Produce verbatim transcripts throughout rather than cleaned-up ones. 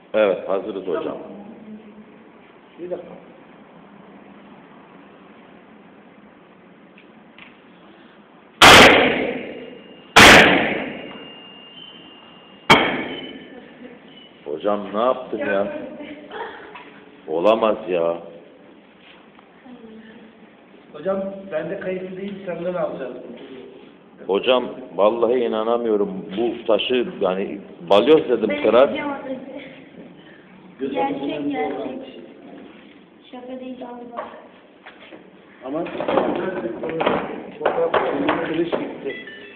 Evet, hazırız hocam. Bir dakika. Hocam ne yaptın ya? Olamaz ya. Hocam ben de kayıtlı değil, senden alacağız. Hocam vallahi inanamıyorum. Bu taşı yani balyoz dedim kırar. Gerçek gerçek. Şaka değil galiba. Ama fotoğraflarında kılıç gitti.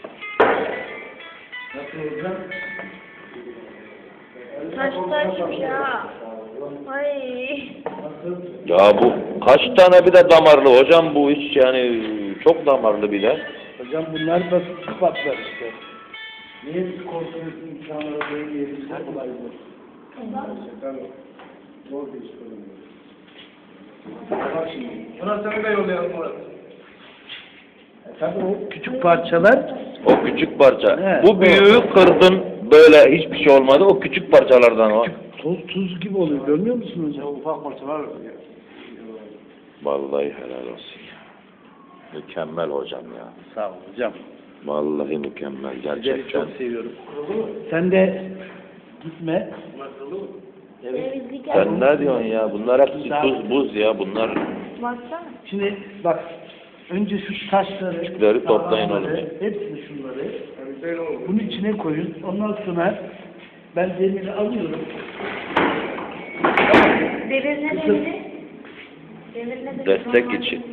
Nasıl hocam? Taş taş ya. Ay. Ya bu kaç tane bir de damarlı hocam, bu hiç yani çok damarlı bile. Hocam bunlar basit sıfatlar işte. Niye korkuyorsun insanlara böyle yerirsen kolay mı? Tabii. Zor bir iş kullanıyor. Bak şimdi. Murat seni de yollayalım Murat. E, tabii o küçük parçalar. O küçük parça. He, bu büyüğü kırdın böyle hiçbir şey olmadı. O küçük parçalardan o. Küçük toz tuz gibi oluyor. Görmüyor musun hocam? Ufak parçalar. Vallahi helal olsun ya. Mükemmel hocam ya. Sağ ol hocam. Vallahi mükemmel Sizleri gerçekten. çok seviyorum. Sen de gitme. Evet. Sen ne diyorsun ya? Bunlar hepsi tuz buz ya bunlar. Baksana. Şimdi bak. Önce şu taşları, Küçükleri toplayın oğlum. hepsini şunları bunun içine koyun. Ondan sonra ben demiri alıyorum. Demir ne demiri? Demir ne demiri? Destek için.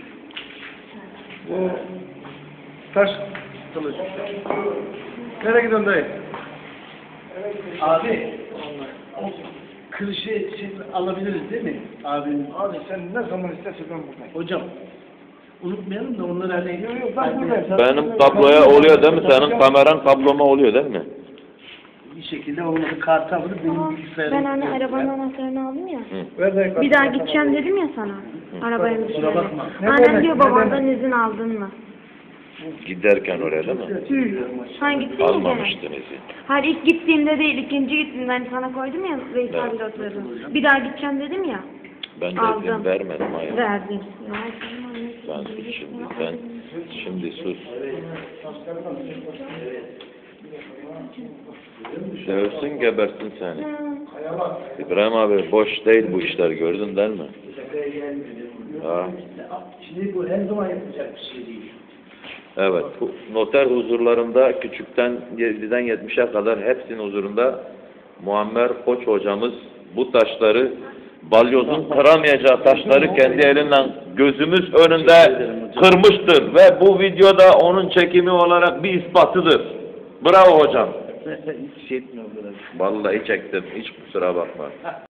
Bu taş kılıç. Nereye gidiyorsun dayı? Abi, o kılıcı şimdi alabiliriz değil mi? Abim. Abi sen ne zaman istersen ben buradayım. Hocam, unutmayalım da onları hani... Yok yok ben buradayım. Benim kabloya oluyor değil mi? Senin kameran kabloma oluyor değil mi? Bir şekilde olmadı. Kartı alır benim bilgisayarım. Ben hani arabanın anahtarını aldım ya. Hı. Bir daha gideceğim dedim ya sana. Arabayı Kusura düşürmeye. bakma. Ne Annem demek, diyor ne babandan izin aldın mı? Giderken oraya değil mi? Sen gittin ya gene. Almamıştın izin. Hayır ilk gittiğimde değil, ikinci gittiğimde hani sana koydum ya Veysel'de oturdum. Bir daha gideceğim dedim ya. Ben de Aldım. izin vermedim hayır. Verdin. Ya, Sen sus şimdi, sen şimdi sus. Dövsün gebersin seni. İbrahim abi boş değil bu işler, gördün değil mi? Ha. Şimdi bu her zaman yapacak bir şey değil. Evet, bu noter huzurlarında küçükten yediden yetmişe kadar hepsinin huzurunda Muammer Koç hocamız bu taşları, balyozun kıramayacağı taşları kendi elinden gözümüz önünde kırmıştır ve bu videoda onun çekimi olarak bir ispatıdır. Bravo hocam. Hiç şey etmiyor. Vallahi çektim, hiç kusura bakma.